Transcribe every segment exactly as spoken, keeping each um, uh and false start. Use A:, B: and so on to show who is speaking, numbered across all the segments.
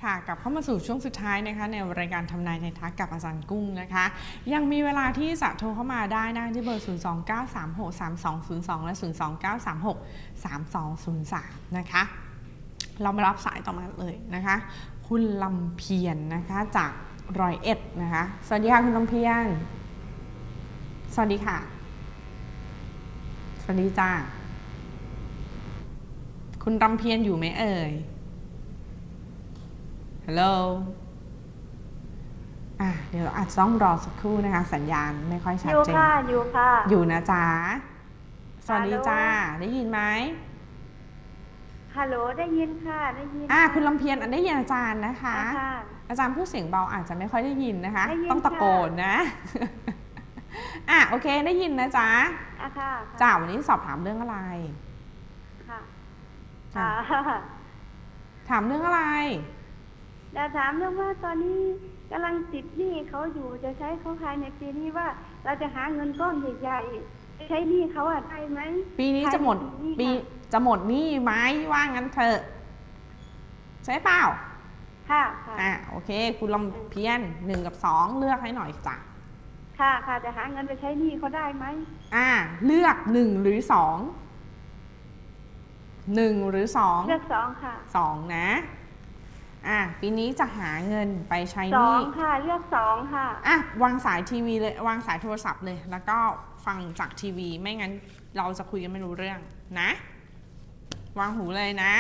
A: ค่ะกลับเข้ามาสู่ช่วงสุดท้ายนะคะในรายการทำนายไทยทักกับอาจารย์กุ้งนะคะยังมีเวลาที่จะโทรเข้ามาได้นะที่เบอร์ ศูนย์ สอง เก้า สาม หก สาม สอง ศูนย์ สอง และ ศูนย์ สอง เก้า สาม หก สาม สอง ศูนย์ สาม นะคะเรามารับสายต่อมาเลยนะคะคุณลำเพียร น, นะคะจากร้อยเอ็ดนะคะสวัสดีค่ะคุณลำเพียร สวัสดีค่ะสวัสดีจ้าคุณลำเพียรอยู่ไหมเอ่ยฮัลโหลอ่ะเดี๋ยวอาจจะต้องรอสักครู่นะคะสัญญาณไม่ค่อยชัดเจนอยู่
B: ค่ะอยู่ค่ะ
A: อยู่นะจ๊ะสวัสดีจ้าได้ยินไหม
B: ฮัลโหลได้ยินค่ะได้ยิน
A: อ่ะคุณลำเพียรได้ยินอาจารย์นะคะอาจารย์พูดเสียงเบาอาจจะไม่ค่อยได้ยินนะคะต้องตะโกนนะอ่ะโอเคได้ยินนะจ๊ะ
B: ค่ะ
A: จ้าวันนี้สอบถามเรื่องอะไร
B: ค่ะ
A: ถามเรื่องอะไร
B: จะถามเรื่องว่าตอนนี้กำลังติดหนี้เขาอยู่จะใช้เขาภายในปีนี้ว่าเราจะหาเงินก้อนใหญ่ๆจะใช้หนี้เขาอะได้ไหม
A: ปีนี้จะหมดปีจะหมดหนี้ไหมว่างั้นเถอะใช่เปล่า
B: ค่ะ
A: อ่ะโอเคคุณลำเพียรหนึ่งกับสองเลือกให้หน่อยจ้ะ
B: ค่ะค่ะจะหาเงินไปใช้หนี้เขาได้ไหม
A: อ่าเลือกหนึ่งหรือสองหนึ่งหรือสอง
B: เลือกสองค่ะ
A: สองนะอ่ะปีนี้จะหาเงินไปใช้ห
B: นี้
A: ส
B: องค่ะเลือกสองค่ะ
A: อ่ะวางสายทีวีเลยวางสายโทรศัพท์เลยแล้วก็ฟังจากทีวีไม่งั้นเราจะคุยกันไม่รู้เรื่องนะวางหูเลยนะ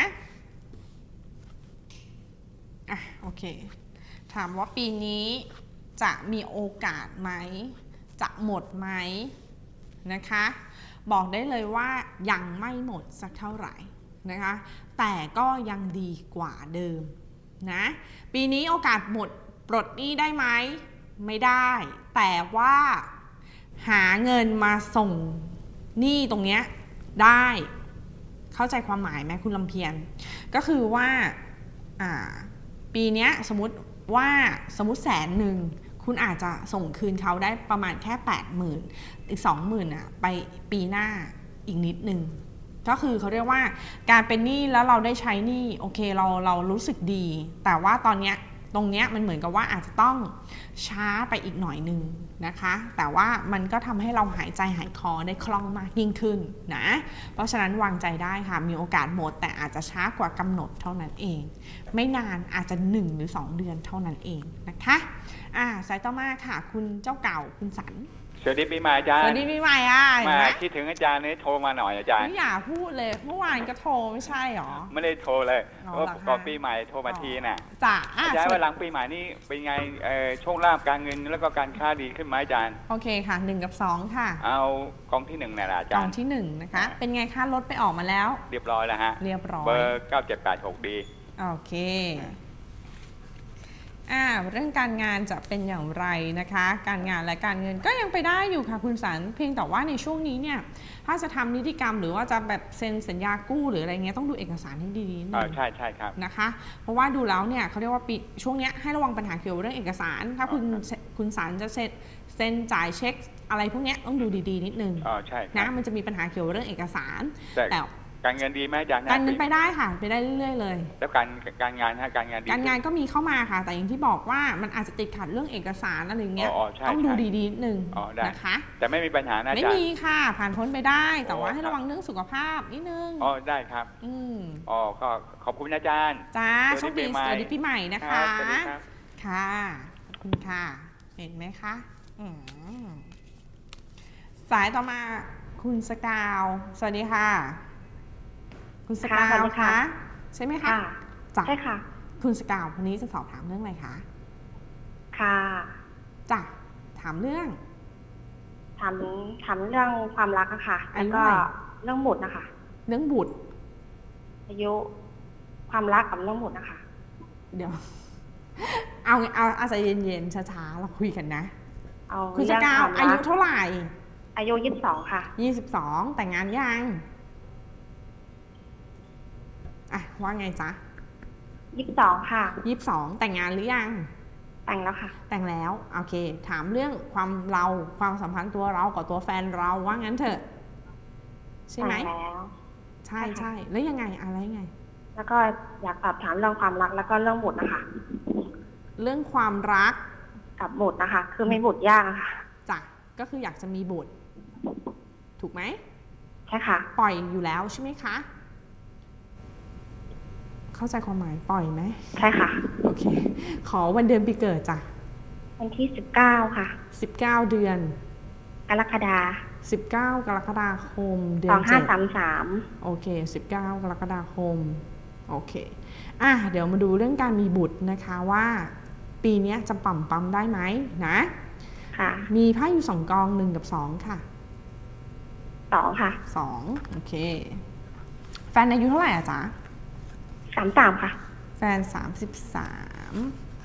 A: อ่ะโอเคถามว่าปีนี้จะมีโอกาสไหมจะหมดไหมนะคะบอกได้เลยว่ายังไม่หมดสักเท่าไหร่นะคะแต่ก็ยังดีกว่าเดิมนะปีนี้โอกาสหมดปลดหนี้ได้ไหมไม่ได้แต่ว่าหาเงินมาส่งหนี้ตรงเนี้ยได้เข้าใจความหมายไหมคุณลำเพียรก็คือว่าอ่าปีนี้สมมติว่าสมมติแสนหนึ่งคุณอาจจะส่งคืนเขาได้ประมาณแค่ แปดหมื่น อีก สองหมื่น อ่ะไปปีหน้าอีกนิดนึงก็คือเขาเรียกว่าการเป็นหนี้แล้วเราได้ใช้หนี้โอเคเราเรารู้สึกดีแต่ว่าตอนเนี้ยตรงเนี้ยมันเหมือนกับว่าอาจจะต้องช้าไปอีกหน่อยนึงนะคะแต่ว่ามันก็ทำให้เราหายใจหายคอได้คล่องมากยิ่งขึ้นนะเพราะฉะนั้นวางใจได้ค่ะมีโอกาสหมดแต่อาจจะช้ากว่ากำหนดเท่านั้นเองไม่นานอาจจะหนึ่งหรือสองเดือนเท่านั้นเองนะคะอ่าสายต่อมาค่ะคุณเจ้าเก่าคุณสัน
C: สวัสดีปีใหม่อาจารย์
A: สวัสดีปีใหม่อ่ะ
C: มาคิดถึงอาจารย์นี่โทรมาหน่อยอาจารย์
A: ไม่อยากพูดเลยเมื่อวานก็โทรไม่ใช่หรอ
C: ไม่ได้โทรเลยเพราะก่อนปีใหม่โทรมาทีน่ะ
A: จ้ะ
C: อาจารย์ว่าหลังปีใหม่นี่เป็นไงโชคลาภการเงินแล้วก็การค้าดีขึ้นไหมอาจารย์
A: โอเคค่ะหนึ่งกับสองค่ะ
C: เอากองที่หนึ่งน่ะอาจารย์
A: กองที่หนึ่งนะคะเป็นไงคะรถไปออกมาแล้ว
C: เรียบร้อยแล้วฮะ
A: เรียบร้อย
C: เบอร์เก้าเจ็ดแปดหกดี
A: โอเคอ่าเรื่องการงานจะเป็นอย่างไรนะคะการงานและการเงินก็ยังไปได้อยู่ค่ะคุณสันเพียงแต่ว่าในช่วงนี้เนี่ยถ้าจะทำนิติกรรมหรือว่าจะแบบเซ็นสัญญากู้หรืออะไรเงี้ยต้องดูเอกสารให้ดีๆนิดนึง
C: ใช่ใช่ครับ
A: นะคะเพราะว่าดูแล้วเนี่ยเขาเรียกว่าปีช่วงนี้ให้ระวังปัญหาเกี่ยวกับเรื่องเอกสารถ้าคุณคุณสันจะเซ็นเซ็นจ่ายเช็คอะไรพวกนี้ต้องดูดีๆนิดนึง
C: อ๋อใช่
A: นะมันจะมีปัญหาเกี่ยวกับเรื่องเอกสารแต่
C: การเงินดีไหมอาจารย์
A: การเงินไปได้ค่ะไปได้เรื่อยๆเลย
C: แล้วการการงานฮะการงานดี
A: การงานก็มีเข้ามาค่ะแต่อย่างที่บอกว่ามันอาจจะติดขัดเรื่องเอกสารอะไรเงี้ยต้องดูดีๆนิดนึงนะคะ
C: แต่ไม่มีปัญหานะอาจารย์
A: ไม่มีค่ะผ่านพ้นไปได้แต่ว่าให้ระวังเรื่องสุขภาพนิดนึง
C: อ๋อได้ครับ
A: อืม
C: อ๋อก็ขอบคุณอาจารย์
A: จ้าโชคดีสวัสดีปีใหม่นะคะค่ะขอบคุณค่ะเห็นไหมคะสายต่อมาคุณสกาวสวัสดีค่ะคุณสกาวคะใช่ไหมคะ
B: ใช่ค่ะ
A: คุณสกาววันนี้จะสอบถามเรื่องอะไรคะ
B: ค่ะ
A: จ้ะถามเรื่อง
B: ถามถามเรื่องความรักอะค่ะแล้วก็เรื่องบุตรนะคะ
A: เรื่องบุตร
B: อายุความรักกับเรื่องบุตรนะคะ
A: เดี๋ยวเอาเอาอาศัยเย็นๆช้าๆเราคุยกันนะคุณสกาวอายุเท่าไหร่
B: อายุยี่สิบสองค่ะ
A: ยี่สิบสองแต่งงานยังอ่ะว่าไงจ๊ะ
B: ยี่สิบสองค่ะ
A: ยี่สิบสองแต่งงานหรือยัง
B: แต่งแล้วค่ะ
A: แต่งแล้วโอเคถามเรื่องความเราความสัมพันธ์ตัวเรากับตัวแฟนเราว่างั้นเถอะใช่ไหม
B: แล้ว
A: ใช่ใช่แล้วยังไงอะไรไง
D: แล้วก็อยากสอบถามเรื่องความรักแล้วก็เรื่องบุตรนะคะ
A: เรื่องความรัก
D: กับบุตรนะคะ คือไม่บุตรยากอะค่ะ
A: จ้ะก็คืออยากจะมีบุตรถูกไหม
D: ใช่ค่ะ
A: ปล่อยอยู่แล้วใช่ไหมคะเข้าใจความหมายปล่อยไหม
D: ใช่ค่ะ
A: โอเคขอวันเดือนปีเกิดจ้ะ
D: วันที่สิบเก้าค่ะ
A: สิบเก้าเดือน
D: กรกฎา
A: สิบเก้ากรกฎาคมเดื
D: ส
A: อ
D: อน งห้า
A: เจ็ด
D: สามสาม
A: โอเคสิบเก้ากรกฎาคมโอเคอ่ะเดี๋ยวมาดูเรื่องการมีบุตรนะคะว่าปีนี้จะปั่มปั๊มได้ไหมนะ
D: ค่ะ
A: มีไพ่อยู่สองกองหนึ่งกับสองค่ะ
D: สองค่ะ
A: สองโอเคแฟนอายุเท่าไหร่อะจ๊ะ
D: สามสามค่ะ
A: แฟนสามสิบสาม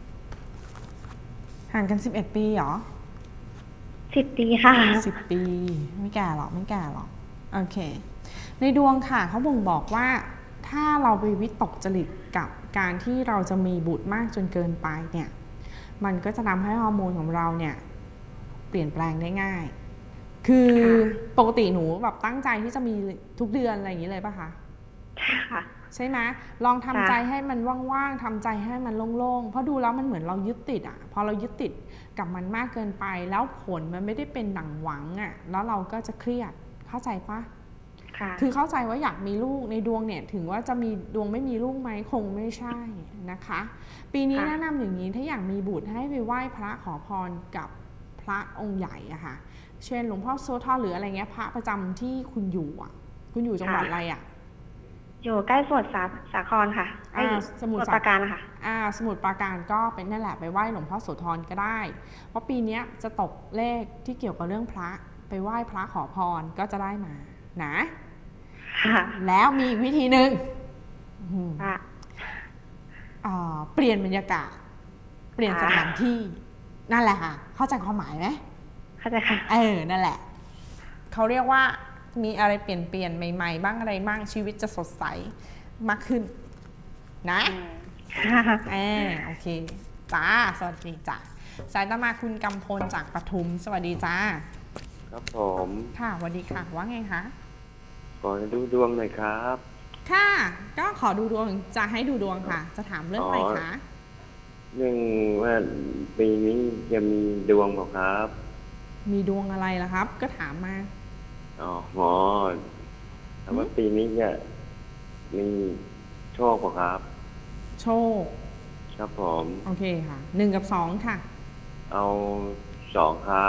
A: ห่างกันสิบเอ็ดปีเหรอ
D: สิบปีค่ะ
A: สิบปีไม่แก่หรอกไม่แก่หรอกโอเคในดวงค่ะเขาบ่งบอกว่าถ้าเราไปวิตกจริตกับการที่เราจะมีบุตรมากจนเกินไปเนี่ยมันก็จะทำให้ฮอร์โมนของเราเนี่ยเปลี่ยนแปลงได้ง่าย คือปกติหนูแบบตั้งใจที่จะมีทุกเดือนอะไรอย่างนี้เลยป่ะคะ
D: ค่ะ
A: ใช่ไหมลองทำใจให้มันว่างๆทำใจให้มันโล่งๆเพราะดูแล้วมันเหมือนเรายึดติดอ่ะพอเรายึดติดกับมันมากเกินไปแล้วผลมันไม่ได้เป็นดั่งหวังอ่ะแล้วเราก็จะเครียดเข้าใจปะ
D: ค่ะ
A: คือเข้าใจว่าอยากมีลูกในดวงเนี่ยถึงว่าจะมีดวงไม่มีลูกไหมคงไม่ใช่นะคะปีนี้
D: ค่ะ
A: แนะนำอย่างนี้ถ้าอยากมีบุตรให้ไปไหว้พระขอพรกับพระองค์ใหญ่อะค่ะเช่นหลวงพ่อโสธรหรืออะไรเงี้ยพระประจำที่คุณอยู่อะคุณอยู่จังหวัดอะไรอะ
D: อยู่ใกล้สมุทรสาสาครค่ะใกล้
A: อ่าสมุทร
D: ปราการค่ะ
A: อ่าสมุทรปราการก็เป็นนั่นแหละไปไหว้หลวงพ่อโสธรก็ได้ เพราะปีนี้จะตกเลขที่เกี่ยวกับเรื่องพระไปไหว้พระขอพรก็จะได้มานะ
D: ค่ะ
A: แล้วมีอีกวิธีหนึ่งอืม
D: ค่ะ
A: อ่าเปลี่ยนบรรยากาศเปลี่ยนสถานที่นั่นแหละค่ะเข้าใจความหมายไหม
D: เข้าใจค่ะ
A: เออนั่นแหละเขาเรียกว่ามีอะไรเปลี่ยนเปลี่ยนใหม่ๆบ้างอะไรบ้างชีวิตจะสดใสมากขึ้นนะ
D: ค่ะ
A: เออโอเคจ้าสวัสดีจ้าสายตามาคุณกำพลจากปทุมสวัสดีจ้า
E: ครับผม
A: ค่ะสวัสดีค่ะว่าไงคะ
E: ขอดูดวงหน่อยครับ
A: ค่ะก็ขอดูดวงจะให้ดูดวงค่ะ จะถามเรื่องอะไรคะ
E: เรื่องว่าปีนี้จะมีดวงเปล่าครับ
A: มีดวงอะไรล่ะครับ ก็ถามมา
E: อ๋อหมอถามว่าปีนี้จะมีโชคเปล่าครับ
A: โชค
E: ครับผม
A: โอเคค่ะหนึ่งกับสองค่ะ
E: เอาสองครับ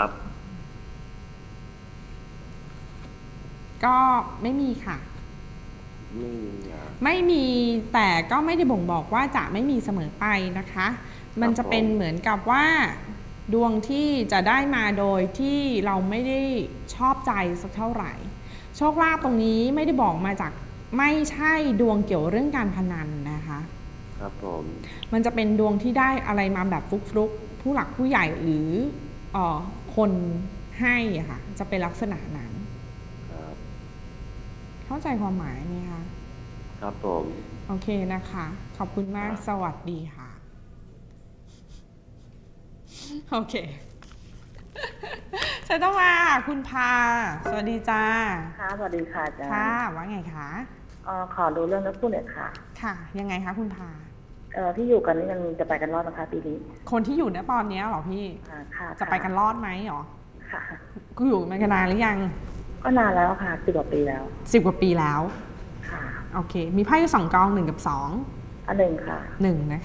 A: ก็ไม่มีค่ะ
E: ไม่มีอ่ะ
A: ไม่มีแต่ก็ไม่ได้บ่งบอกว่าจะไม่มีเสมอไปนะคะ มันจะเป็นเหมือนกับว่าดวงที่จะได้มาโดยที่เราไม่ได้ชอบใจสักเท่าไหร่ โชคลาภตรงนี้ไม่ได้บอกมาจากไม่ใช่ดวงเกี่ยวเรื่องการพนันนะคะ
E: ครับผม
A: มันจะเป็นดวงที่ได้อะไรมาแบบฟลุกๆผู้หลักผู้ใหญ่หรือเอ่อคนให้อะค่ะจะเป็นลักษณะนั้น
E: ครับ
A: เข้าใจความหมายไหมคะ
E: ครับผม
A: โอเคนะคะ ขอบคุณมาก สวัสดีค่ะ โอเคใช่ต้องมาคุณพา สวัสดีจ้า
F: ค่ะสวัสดีค่ะอาจารย์
A: ค่ะ ว่าไงคะ
F: เอ่อขอดูเรื่องนักพูดหน่อยค่ะ
A: ค่ะ ยังไงคะคุณพา
F: เอ่อที่อยู่กันนี่ยังจะไปกันรอดนะคะปีนี้
A: คนที่อยู่ณตอนเนี้ยเหรอพี่
F: ค่ะค่ะ
A: จะไปกันรอดไหมหรอ
F: ค่ะ
A: กูอยู่มากันนานหรือยัง
F: ก็นานแล้วค่ะสิบกว่าปีแล้ว
A: สิบกว่าปีแล้ว
F: ค่ะ
A: โอเค มีไพ่อยู่สองกองหนึ่งกับสอง
F: อันหนึ่งค่ะ
A: หนึ่งนะคะ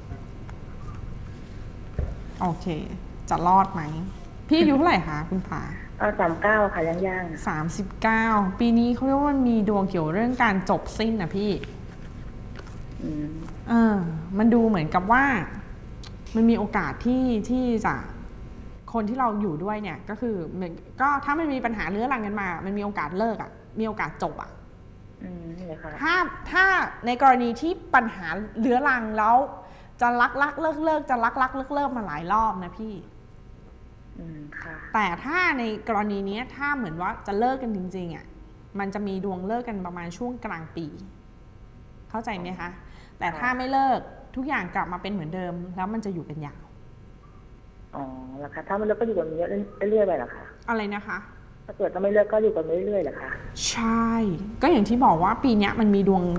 A: โอเค จะรอดไหม พี่อายุเท่าไหร่คะคุณผา
F: เออสามเก้าค่ะย่างย่าง
A: สามสิบเก้าปีนี้เขาเรียกว่ามันมีดวงเกี่ยวเรื่องการจบสิ้นนะพี่
F: ๆอืม
A: เออ มันดูเหมือนกับว่า มันมีโอกาสที่ที่จะคนที่เราอยู่ด้วยเนี่ย ก็คือเหมือนก็ถ้ามันมีปัญหาเรื้อรังกันมา มันมีโอกาสเลิกอะ่ะ มีโอกาสจบอะ่ะ
F: อืมนี่เลยค่ะ
A: ถ้าถ้าในกรณีที่ปัญหาเรื้อรังแล้วจะรักรักเลิกเลิกจะรักรักเลิกเลิกมาหลายรอบนะพี่
F: อืมค่ะ
A: แต่ถ้าในกรณีนี้ถ้าเหมือนว่าจะเลิกกันจริงๆอ่ะมันจะมีดวงเลิกกันประมาณช่วงกลางปี เข้าใจไหมคะ แต่ถ้าไม่เลิกทุกอย่างกลับมาเป็นเหมือนเดิม แล้วมันจะอยู่กันยาว
F: อ๋อแล้วค่ะถ้าไม่เลิกก็อยู่กันเรื่อยๆไปเหรอคะ
A: อะไรนะคะ
F: ถ้าเกิดจะไม่เลิกก็อยู่กันเรื่อยๆเหรอคะ
A: ใช่ ก็อย่างที่บอกว่าปีนี้มันมีดวง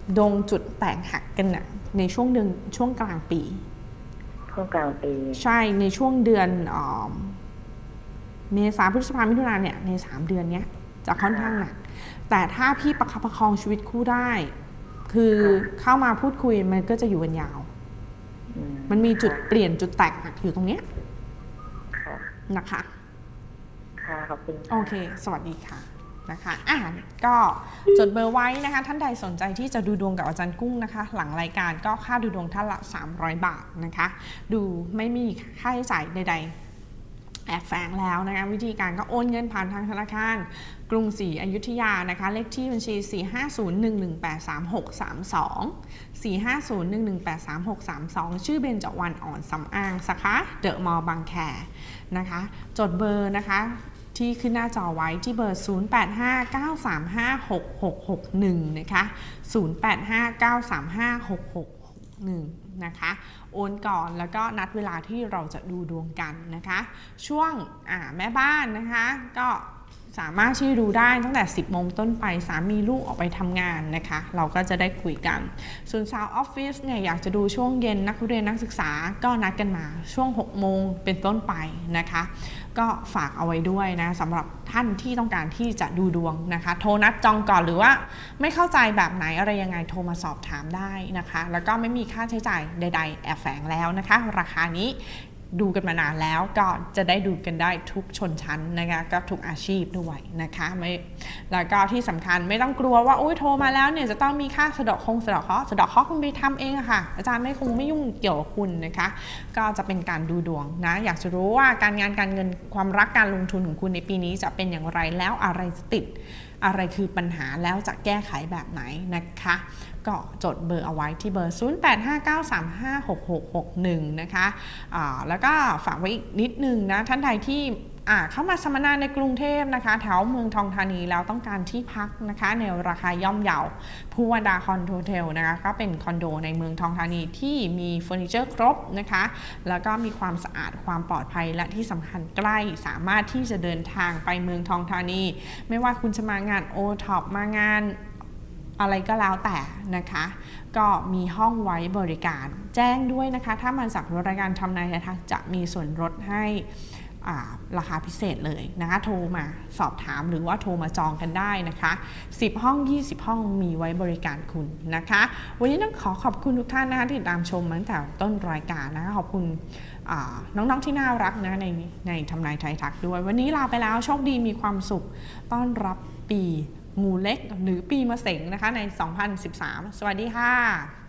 A: ดวงจุดแตกหักกันนะในช่วงเดือนช่วงกลางปี
F: ช่วงกลางปี
A: ใช่ในช่วงเดือนออเมษาพฤษภามิถุนาเนี่ยในสามเดือนเนี้ยจะค่อนข้างหนักแต่ถ้าพี่ประคับประคองชีวิตคู่ได้ คือเข้ามาพูดคุยมันก็จะอยู่กันยาว
F: อื
A: มันมีจุดเปลี่ยนจุดแตกหักอยู่ตรงเนี้ย
F: ค่ะ
A: นะคะ
F: ค่ะขอบคุณค่ะ
A: โอเคสวัสดีค่ะนะคะอ่ะก็จดเบอร์ไว้นะคะท่านใดสนใจที่จะดูดวงกับอาจารย์กุ้งนะคะหลังรายการก็ค่าดูดวงท่านละสามร้อยบาทนะคะดูไม่มีค่าใช้จ่ายใดๆแอบแฝงแล้วนะคะวิธีการก็โอนเงินผ่านทางธนาคารกรุงศรีอยุธยานะคะเลขที่บัญชี สี่ ห้า ศูนย์ หนึ่ง หนึ่ง แปด สาม หก สาม สอง สี่ ห้า ศูนย์ หนึ่ง หนึ่ง แปด สาม หก สาม สอง ชื่อเบญจวรรณอ่อนสำอางสาขาเดอะมอลล์บางแคนะคะจดเบอร์นะคะที่ขึ้นหน้าจอไว้ที่เบอร์ ศูนย์ แปด ห้า เก้า สาม ห้า หก หก หก หนึ่ง นะคะ ศูนย์ แปด ห้า เก้า สาม ห้า หก หก หก หนึ่ง นะคะโอนก่อนแล้วก็นัดเวลาที่เราจะดูดวงกันนะคะช่วงแม่บ้านนะคะก็สามารถที่ดูได้ตั้งแต่สิบโมงต้นไปสามีลูกออกไปทำงานนะคะเราก็จะได้คุยกันส่วนสาวออฟฟิศเนี่ยอยากจะดูช่วงเย็นนักเรียนนักศึกษาก็นัดกันมาช่วงหกโมงเป็นต้นไปนะคะก็ฝากเอาไว้ด้วยนะสำหรับท่านที่ต้องการที่จะดูดวงนะคะโทรนัดจองก่อนหรือว่าไม่เข้าใจแบบไหนอะไรยังไงโทรมาสอบถามได้นะคะแล้วก็ไม่มีค่าใช้จ่ายใดๆแอบแฝงแล้วนะคะราคานี้ดูกันมานานแล้วก็จะได้ดูกันได้ทุกชนชั้นนะคะก็ทุกอาชีพด้วยนะคะไม่แล้วก็ที่สำคัญไม่ต้องกลัวว่าโอ๊ยโทรมาแล้วเนี่ยจะต้องมีค่าสะเดาะคงสะเดาะเคราะห์สะเดาะเคราะห์คุณไปทำเองอะค่ะอาจารย์ไม่คงไม่ยุ่งเกี่ยวกับคุณนะคะก็จะเป็นการดูดวงนะอยากจะรู้ว่าการงานการเงินความรักการลงทุนของคุณในปีนี้จะเป็นอย่างไรแล้วอะไรจะติดอะไรคือปัญหาแล้วจะแก้ไขแบบไหนนะคะก็จดเบอร์เอาไว้ที่เบอร์ ศูนย์ แปด ห้า เก้า สาม ห้า หก หก หก หนึ่ง นะคะะแล้วก็ฝากไว้อีกนิดนึงนะท่านใดที่เข้ามาสัมมนาในกรุงเทพนะคะแถวเมืองทองธานีแล้วต้องการที่พักนะคะในราคาย่อมเยาภูวดาคอนโดเทลนะคะก็เป็นคอนโดในเมืองทองธานีที่มีเฟอร์นิเจอร์ครบนะคะแล้วก็มีความสะอาดความปลอดภัยและที่สำคัญใกล้สามารถที่จะเดินทางไปเมืองทองธานีไม่ว่าคุณจะมางานโอท็อปมางานอะไรก็แล้วแต่นะคะก็มีห้องไว้บริการแจ้งด้วยนะคะถ้ามาจากรายการทำนายทางจะมีส่วนลดให้ราคาพิเศษเลยนะคะโทรมาสอบถามหรือว่าโทรมาจองกันได้นะคะสิบห้องยี่สิบห้องมีไว้บริการคุณนะคะวันนี้ต้องขอขอบคุณทุกท่านนะคะที่ติดตามชมมาตั้งแต่ต้นรายการนะคะขอบคุณน้องๆที่น่ารักนะในในทำนายไทยทักด้วยวันนี้ลาไปแล้วโชคดีมีความสุขต้อนรับปีงูเล็กหรือปีมะเส็งนะคะในสองพันสิบสามสวัสดีค่ะ